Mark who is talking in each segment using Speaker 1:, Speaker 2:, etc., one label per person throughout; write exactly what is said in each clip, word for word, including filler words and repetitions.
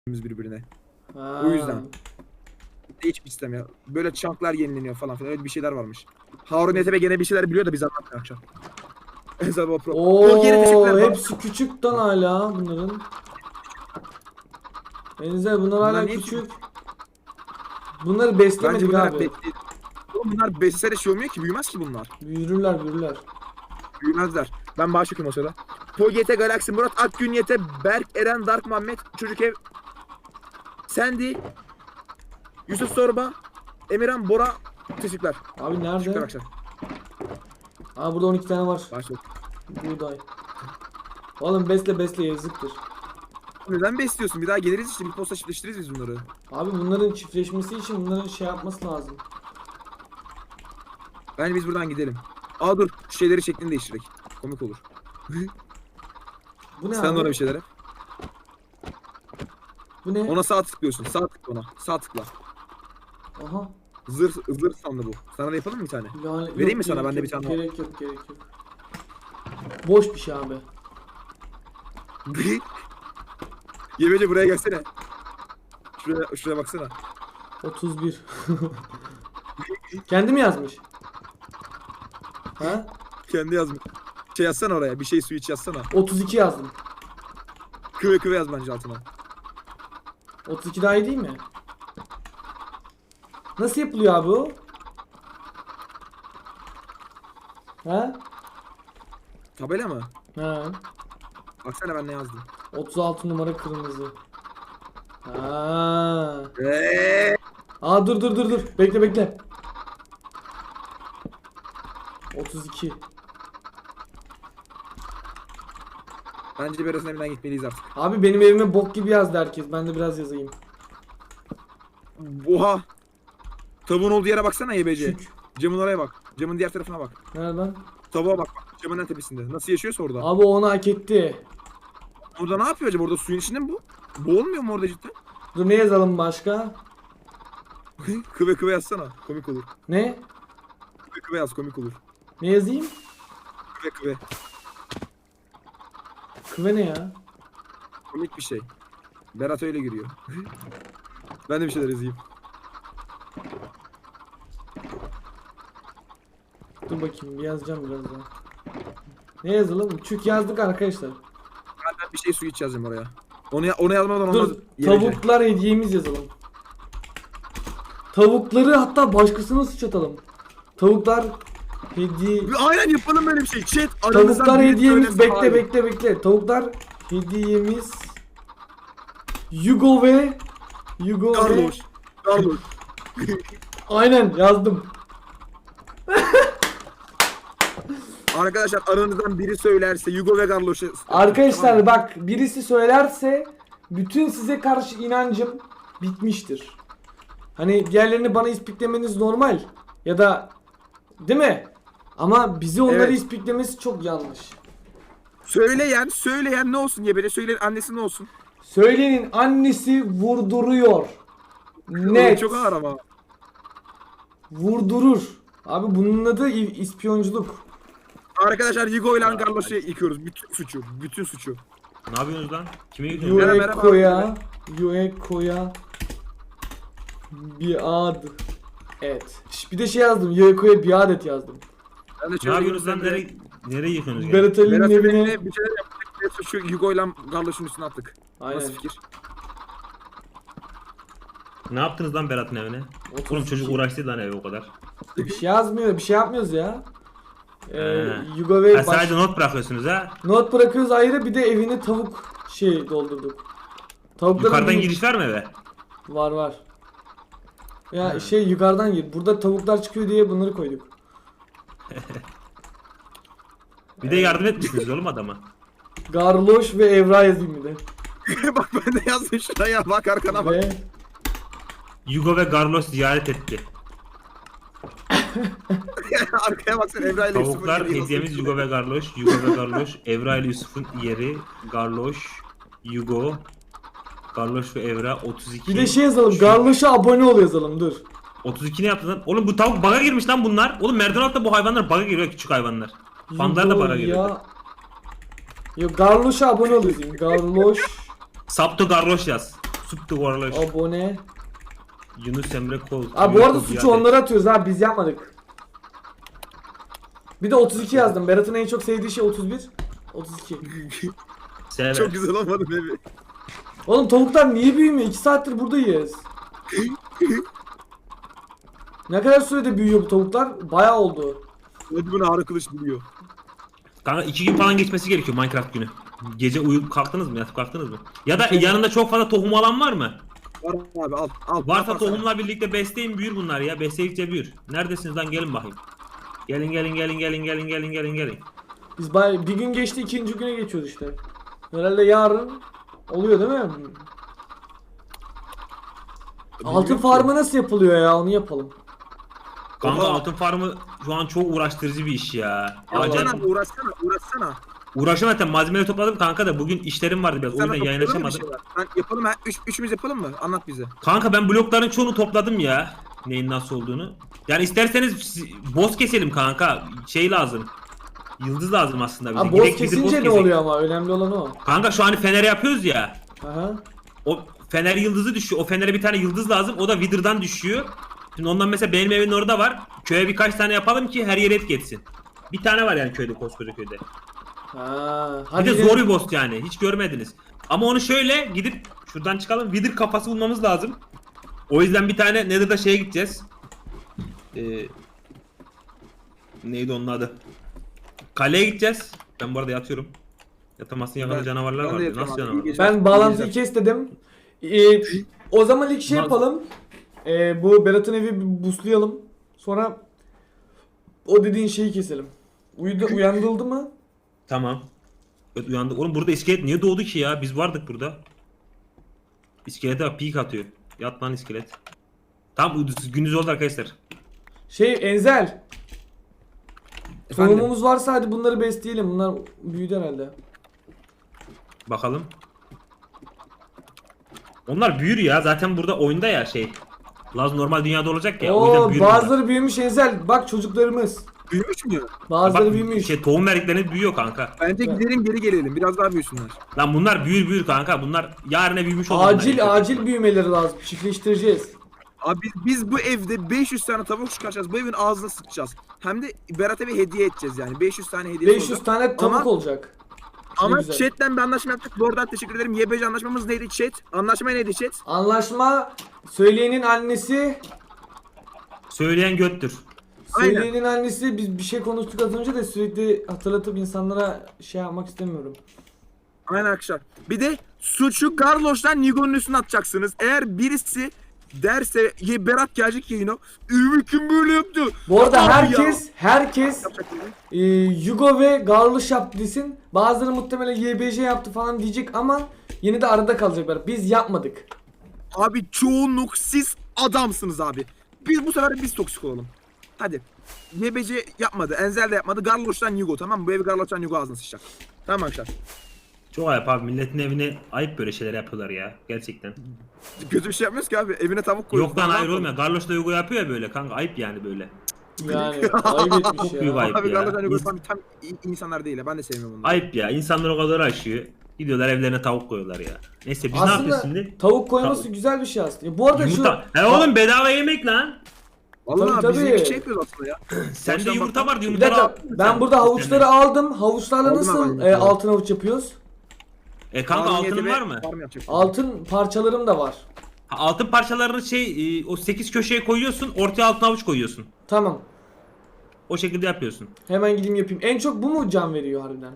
Speaker 1: birbirine.
Speaker 2: Ha.
Speaker 1: O yüzden. Hiçbir sistem ya. Böyle çanklar yenileniyor falan filan. Öyle bir şeyler varmış. Harun Etebe gene bir şeyler biliyor da biz anlatmıyor akşam. Ezaba Pro.
Speaker 2: Oo,
Speaker 1: geri teşekkürler.
Speaker 2: hepsi küçükten hala bunların. Enzel bunlar hala
Speaker 1: Bunlar niye
Speaker 2: küçük. Bunları
Speaker 1: Bence
Speaker 2: beslemedik
Speaker 1: bunlar
Speaker 2: abi.
Speaker 1: bekleyin. Oğlum bunlar beslere şey olmuyor ki. Büyümez ki bunlar.
Speaker 2: Büyürürler büyürürler.
Speaker 1: Büyümezler. Ben bağış okuyayım o sırada. Pogete, Galaxy, Murat, Akgün, Yete, Berk, Eren, Dark, Muhammed, Çocuk Ev, Sandy, Yusuf Sorba, Emirhan, Bora, teşekkürler.
Speaker 2: Abi
Speaker 1: Teşekkürler
Speaker 2: nerede?
Speaker 1: akşam.
Speaker 2: Aa burada on iki tane var.
Speaker 1: Bağış yok.
Speaker 2: Buğday. Oğlum besle besle yazıktır.
Speaker 1: Neden besliyorsun? Bir daha geliriz işte. Bir posta çiftleştiririz biz bunları.
Speaker 2: Abi bunların çiftleşmesi için bunların şey yapması lazım.
Speaker 1: Bence biz buradan gidelim. Aa dur. Şu şeyleri şeklini değiştirek. Komik olur.
Speaker 2: Bu ne
Speaker 1: Sen
Speaker 2: abi?
Speaker 1: de ona bir şeyler yap.
Speaker 2: Bu ne?
Speaker 1: Ona sağ tıklıyorsun. Sağ tıkla ona. Sağ tıkla.
Speaker 2: Aha.
Speaker 1: Zırh, zırh sandı bu. Sana da yapalım mı bir tane?
Speaker 2: Yani,
Speaker 1: Vereyim
Speaker 2: yok,
Speaker 1: mi sana?
Speaker 2: gerek
Speaker 1: Bende bir
Speaker 2: yok,
Speaker 1: tane var.
Speaker 2: Gerek yok gerek yok. Boş bir şey abi.
Speaker 1: Yemece buraya gelsene. Şuraya, şuraya baksana.
Speaker 2: otuz bir. Kendi mi yazmış? Ha?
Speaker 1: Kendi yazmış. Şey yazsana oraya. Bir şey su iç yazsana.
Speaker 2: otuz iki yazdım.
Speaker 1: Kıve kıve yaz bence altına.
Speaker 2: otuz iki daha iyi değil mi? Nasıl yapılıyor abi o? Ha?
Speaker 1: Tabela mı?
Speaker 2: Ha.
Speaker 1: Baksana ben ne yazdım.
Speaker 2: otuz altı numara kırmızı. Ha.
Speaker 1: Eee.
Speaker 2: Aa dur dur dur dur. Bekle bekle. otuz iki.
Speaker 1: Bence biraz hemen gitmeliyiz artık.
Speaker 2: Abi benim evime bok gibi yazdı herkes. Ben de biraz yazayım.
Speaker 1: Oha. Tavuğun olduğu yere baksana Y B C.
Speaker 2: Küçük.
Speaker 1: Camın oraya bak. Camın diğer tarafına bak.
Speaker 2: Nereden?
Speaker 1: Tavuğa bak. bak. Camın en tepesinde. Nasıl yaşıyorsa orada.
Speaker 2: Abi o onu hak etti.
Speaker 1: Orada ne yapıyor acaba? Orada suyun içinde mi bu? Boğulmuyor mu orada cidden?
Speaker 2: Dur ne yazalım başka?
Speaker 1: Kıve kıve yazsana. Komik olur.
Speaker 2: Ne?
Speaker 1: Kıve kıve yaz. Komik olur.
Speaker 2: Ne yazayım?
Speaker 1: Kıve kıve.
Speaker 2: Kıve ne ya?
Speaker 1: Komik bir şey. Berat öyle giriyor. Ben de bir şeyler yazayım.
Speaker 2: Dur bakayım bir yazacağım biraz daha. Ne yazalım? Çük yazdık arkadaşlar.
Speaker 1: Ben, ben bir şey su iç yazacağım oraya. Onu, ya- onu yazmadan olmaz.
Speaker 2: Dur
Speaker 1: Yemece.
Speaker 2: tavuklar hediyemiz yazalım. Tavukları hatta başkasına sıçratalım. Tavuklar hediye...
Speaker 1: Aynen yapalım böyle bir şey. Chat aranızdan
Speaker 2: Tavuklar
Speaker 1: biri
Speaker 2: hediyemiz
Speaker 1: söylesin.
Speaker 2: bekle
Speaker 1: Hayır.
Speaker 2: bekle bekle. Tavuklar hediyemiz Yugo ve Yugo ve
Speaker 1: Carlos. Carlos.
Speaker 2: aynen yazdım.
Speaker 1: Arkadaşlar aranızdan biri söylerse Yugo ve Carlos'u...
Speaker 2: Arkadaşlar
Speaker 1: Tamam.
Speaker 2: bak birisi söylerse bütün size karşı inancım bitmiştir. Hani diğerlerini bana ispiklemeniz normal ya da değil mi? Ama bizi onları
Speaker 1: Evet.
Speaker 2: ispiklemesi çok yanlış.
Speaker 1: Söyleyen, söyleyen ne olsun diye böyle söyleyen annesi ne olsun?
Speaker 2: Söylenin annesi vurduruyor.
Speaker 1: Oğlum
Speaker 2: Net.
Speaker 1: çok ağır ama.
Speaker 2: Vurdurur. Abi bunun adı i- ispiyonculuk.
Speaker 1: Arkadaşlar Yugo ile Carlos'u yıkıyoruz. Bütün suçu. Bütün suçu.
Speaker 3: Ne yapıyorsunuz lan? Kime gidiyorsunuz?
Speaker 1: Merhaba, merhaba.
Speaker 2: Yueko'ya Yueko'ya biat et. Şş, bir de şey yazdım. Yueko'ya biat et yazdım.
Speaker 1: Ben de
Speaker 3: Ne
Speaker 1: şöyle
Speaker 3: yapıyorsunuz lan?
Speaker 1: Nereye?
Speaker 3: Nereye, nereye yıkıyorsunuz? gene?
Speaker 2: Berat Ali'nin
Speaker 1: Berat
Speaker 2: evine.
Speaker 1: evine bir şeyler yaptık. Ve suçu Yugo ile Carlos'un üstüne attık.
Speaker 2: Aynen.
Speaker 1: Nasıl fikir?
Speaker 3: Ne yaptınız lan Berat'ın evine?
Speaker 2: otuz
Speaker 3: Oğlum çocuk
Speaker 2: iki.
Speaker 3: uğraştı lan eve o kadar.
Speaker 2: Bir şey yazmıyor. Bir şey yapmıyoruz ya. Ee,
Speaker 3: He.
Speaker 2: Yugo ve
Speaker 3: Ha,
Speaker 2: baş...
Speaker 3: sadece not bırakıyorsunuz ha.
Speaker 2: Not bırakıyoruz ayrı, bir de evine tavuk şey doldurduk. Tavukların
Speaker 3: Yukarıdan
Speaker 2: bir-
Speaker 3: giriş var mı eve?
Speaker 2: Var var. Ya
Speaker 3: He.
Speaker 2: şey yukarıdan gir. Burada tavuklar çıkıyor diye bunları koyduk.
Speaker 3: Bir de yardım etmişsiniz oğlum adama.
Speaker 2: Garloş ve Evra yazayım bir de.
Speaker 1: Bak ben de yazdım şuraya. Bak arkana bak.
Speaker 2: Ve
Speaker 3: Yugo ve Carlos ziyaret etti.
Speaker 1: Arkaya baksana Evra ile Yusuf'un
Speaker 3: Tavuklar
Speaker 1: yeri
Speaker 3: hediyemiz
Speaker 1: nasıl-
Speaker 3: Yugo ve Carlos. Yugo ve Carlos. Evra ile Yusuf'un yeri. Carlos. Yugo. Carlos ve Evra otuz iki.
Speaker 2: bir de şey yazalım.
Speaker 3: Şu-
Speaker 2: Garloş'a abone ol yazalım. Dur.
Speaker 3: otuz iki ne yaptı lan? Oğlum bu tavuk baga girmiş lan bunlar. Oğlum merdiven altta bu hayvanlar baga giriyor, küçük hayvanlar. Pandalar da baga giriyor.
Speaker 2: Ya. Yok Garloş'a abone ol yazayım. Garloş.
Speaker 3: Sapto Garloş yaz. Subtu Garloş.
Speaker 2: Abone.
Speaker 3: Yunus Emre Kol.
Speaker 2: Abi bu arada
Speaker 3: Yunus
Speaker 2: suçu
Speaker 3: Ziyade.
Speaker 2: onlara atıyoruz ha, biz yapmadık. Bir de otuz iki yazdım. Berat'ın en çok sevdiği şey otuz bir. otuz iki.
Speaker 3: Sever.
Speaker 1: Çok güzel olmadı mı evi?
Speaker 2: Oğlum tavuklar niye büyümüyor? iki saattir buradayız. Ne kadar sürede büyüyor bu tavuklar? Bayağı oldu.
Speaker 1: Hadi bunu ağrı kılıç buluyor.
Speaker 3: Kanka iki gün falan geçmesi gerekiyor Minecraft günü. Gece uyuyup kalktınız mı? Yatıp kalktınız mı? Ya da yanında çok fazla tohum alan var mı?
Speaker 1: Var abi al al.
Speaker 3: Varsa
Speaker 1: Al,
Speaker 3: tohumla birlikte besleyin, büyür bunlar ya. Besleyikçe büyür. Neredesiniz lan, gelin bakayım. Gelin gelin gelin gelin gelin gelin gelin gelin.
Speaker 2: Biz bay bir gün geçti, ikinci güne geçiyoruz işte. Herhalde yarın oluyor değil mi? Altın
Speaker 1: ki.
Speaker 2: farmı nasıl yapılıyor ya? Onu yapalım.
Speaker 3: Kanka
Speaker 1: Oha.
Speaker 3: altın farmı şu an çok uğraştırıcı bir iş ya.
Speaker 1: Uğraşsana
Speaker 3: Acayip.
Speaker 1: uğraşsana uğraşsana.
Speaker 3: Uğraşım zaten, malzemeleri topladım kanka da bugün işlerim vardı biraz. O
Speaker 1: Sana
Speaker 3: yüzden
Speaker 1: yapalım mı bir
Speaker 3: yayınlaşamadım.
Speaker 1: şeyler? Ben yapalım ha. Üç, üçümüz yapalım mı? Anlat bize.
Speaker 3: Kanka ben blokların çoğunu topladım ya. Neyin nasıl olduğunu. Yani isterseniz siz- boss keselim kanka. Şey lazım. Yıldız lazım aslında bize.
Speaker 2: Ha,
Speaker 3: Gidek
Speaker 2: boss
Speaker 3: gidip boss
Speaker 2: kesince ne
Speaker 3: kesek.
Speaker 2: oluyor ama önemli olan o.
Speaker 3: Kanka şu an feneri yapıyoruz ya.
Speaker 2: Aha.
Speaker 3: O fener yıldızı düşüyor. O fenere bir tane yıldız lazım. O da Wither'dan düşüyor. Şimdi ondan mesela benim evin orada var. Köye birkaç tane yapalım ki her yere etki etsin. Bir tane var yani köyde, koskoca köyde.
Speaker 2: Ha.
Speaker 3: Bir
Speaker 2: Hadi
Speaker 3: de
Speaker 2: gidelim.
Speaker 3: zor bir boss yani. Hiç görmediniz. Ama onu şöyle gidip şuradan çıkalım. Wither kafası bulmamız lazım. O yüzden bir tane Nether'da şeye gideceğiz. Ee, neydi onun adı? Kaleye gideceğiz. Ben bu arada yatıyorum. Yatamazsın, yakında
Speaker 1: Ben-
Speaker 3: canavarlar
Speaker 1: ben de
Speaker 3: var.
Speaker 1: yatıyorum
Speaker 3: Nasıl
Speaker 1: abi, iyi
Speaker 3: canavarlar?
Speaker 1: geceler.
Speaker 2: Ben bağlantıyı kes dedim. Ee, o zaman ilk şey
Speaker 3: Naz-
Speaker 2: yapalım. Ee, bu Berat'ın evi bir buslayalım. Sonra o dediğin şeyi keselim. Uyudu, uyandırıldı mı?
Speaker 3: Tamam. Evet, uyandık. Oğlum burada iskelet niye doğdu ki ya? Biz vardık burada. İskelete bak, peek atıyor. Yat lan iskelet. Tamam, gündüz oldu arkadaşlar.
Speaker 2: Şey Enzel.
Speaker 1: Efendim?
Speaker 2: Tohumumuz varsa hadi bunları besleyelim. Bunlar büyüdü herhalde.
Speaker 3: Bakalım. Onlar büyür ya. Zaten burada oyunda ya şey. Laz normal dünyada olacak ya. o yüzden
Speaker 2: Oo,
Speaker 3: büyür bunlar.
Speaker 2: bazıları büyümüş Enzel. Bak çocuklarımız.
Speaker 1: Büyümüş mü?
Speaker 2: Bazıları
Speaker 3: Bak,
Speaker 2: büyümüş.
Speaker 3: şey, tohum verdiklerini büyüyor kanka.
Speaker 1: Bence
Speaker 2: Evet.
Speaker 1: gidelim geri gelelim. Biraz daha büyüsünler.
Speaker 3: Lan bunlar büyür büyür kanka. Bunlar yarına büyümüş olur. bunlar.
Speaker 2: Acil acil büyümeleri lazım. Çiftleştireceğiz.
Speaker 1: Abi biz, biz bu evde beş yüz tane tavuk çıkaracağız. Bu evin ağzına sıkacağız. Hem de Berat'a bir hediye edeceğiz yani. beş yüz tane hediye
Speaker 2: beş yüz tane tavuk
Speaker 1: Ama-
Speaker 2: olacak.
Speaker 1: Ama
Speaker 2: güzel.
Speaker 1: chatten bir anlaşma yaptık. Bu arada teşekkür ederim. Y B C anlaşmamız neydi chat? Anlaşma neydi chat?
Speaker 2: Anlaşma söyleyenin annesi
Speaker 3: Söyleyen göttür.
Speaker 1: Aynen.
Speaker 2: Söyleyenin annesi, biz bir şey konuştuk az önce de sürekli hatırlatıp insanlara şey yapmak istemiyorum.
Speaker 1: Aynen arkadaşlar. Bir de suçu Carlos'tan Nigo'nun üstüne atacaksınız. Eğer birisi derse ye Berat gelecek yayına. Ümit kim böyle yaptı?
Speaker 2: Bu arada
Speaker 1: Abi
Speaker 2: herkes herkes
Speaker 1: Yapacak bir şey yok.
Speaker 2: e, Yugo ve Garloş yaptı desin. Bazıları muhtemelen Y B J yaptı falan diyecek ama yine de arada kalacaklar. Biz yapmadık.
Speaker 1: Abi çoğunluk siz adamsınız abi. Biz bu sefer biz toksik olalım. Hadi. Y B C yapmadı. Enzel de yapmadı. Garloş'tan Nigo, tamam mı? Bu evi Garloş'tan Nigo ağzına sıçacak. Tamam arkadaşlar.
Speaker 3: Çok ayıp abi. Milletin evine ayıp böyle şeyler yapıyorlar ya. Gerçekten.
Speaker 1: Kötü bir şey yapmıyoruz ki abi. Evine tavuk koyuyoruz.
Speaker 3: Yok lan,
Speaker 1: Ne
Speaker 3: hayır
Speaker 1: yapalım?
Speaker 3: oğlum ya. Carlos da Yugo yapıyor ya böyle kanka. Ayıp yani böyle.
Speaker 2: Yani ayıp etmiş
Speaker 3: büyük
Speaker 2: ya.
Speaker 3: ayıp.
Speaker 1: Abi
Speaker 3: ya.
Speaker 1: Garloş'tan Nigo
Speaker 3: İns-
Speaker 1: tam, tam iyi insanlar değil ya. Ben de sevmiyorum onları.
Speaker 3: Ayıp ya. İnsanlar o kadar aşıyor. Gidiyorlar evlerine tavuk koyuyorlar ya. Neyse biz ne yapıyoruz
Speaker 2: Aslında
Speaker 3: şimdi?
Speaker 2: tavuk koyması güzel bir şey aslında. Bu arada
Speaker 3: Yumurta.
Speaker 2: şu
Speaker 3: He oğlum, bedava yemek lan.
Speaker 1: Vallahi
Speaker 2: Tabii,
Speaker 1: biz
Speaker 2: tabii.
Speaker 1: bir şey yapıyoruz aslında ya.
Speaker 3: Sende
Speaker 1: Baştan
Speaker 3: yumurta
Speaker 1: bak-
Speaker 3: vardı,
Speaker 2: bir
Speaker 3: yumurta
Speaker 2: dakika, ben burada havuçları aldım. Havuçlarla
Speaker 1: Aldım
Speaker 2: nasıl
Speaker 1: hemen
Speaker 2: e,
Speaker 1: yumurtaları.
Speaker 2: altın havuç yapıyoruz?
Speaker 3: E kanka
Speaker 1: Farm
Speaker 3: altının
Speaker 1: niyeti
Speaker 3: var
Speaker 1: ve
Speaker 3: mı?
Speaker 1: farm yapacak.
Speaker 2: Altın parçalarım da var.
Speaker 3: Ha, altın parçalarını şey e, o sekiz köşeye koyuyorsun, ortaya altın havuç koyuyorsun.
Speaker 2: Tamam.
Speaker 3: O şekilde yapıyorsun.
Speaker 2: Hemen gideyim yapayım. En çok bu mu can veriyor harbiden?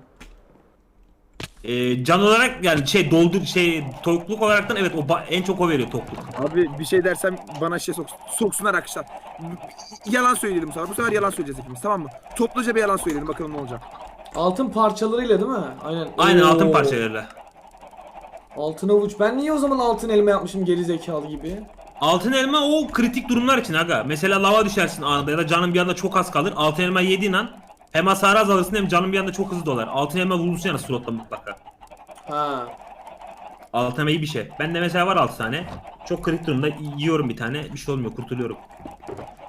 Speaker 3: E, can olarak yani şey doldur şey tokluk olaraktan evet o ba- en çok o veriyor tokluk.
Speaker 1: Abi bir şey dersem bana şey sok soksunlar arkadaşlar. Yalan söyleyelim bu sefer. Bu sefer yalan söyleyeceğiz hepimiz, tamam mı? Topluca bir yalan söyleyelim, bakalım ne olacak.
Speaker 2: Altın parçalarıyla değil mi? Aynen.
Speaker 3: Aynen
Speaker 2: Oo.
Speaker 3: altın parçalarıyla.
Speaker 2: Altın avuç. Ben niye o zaman altın elma yapmışım geri zekalı gibi?
Speaker 3: Altın elma o kritik durumlar için aga. Mesela lava düşersin anında ya da canın bir anda çok az kalır. Altın elma yediğin an hem hasarı azalırsın hem canın bir anda çok hızlı dolar. Altın elma vurulsun yani slotta mutlaka.
Speaker 2: Ha.
Speaker 3: Altın elma iyi bir şey. Bende mesela var altı tane. Çok kritik durumda yiyorum bir tane. Bir şey olmuyor, kurtuluyorum.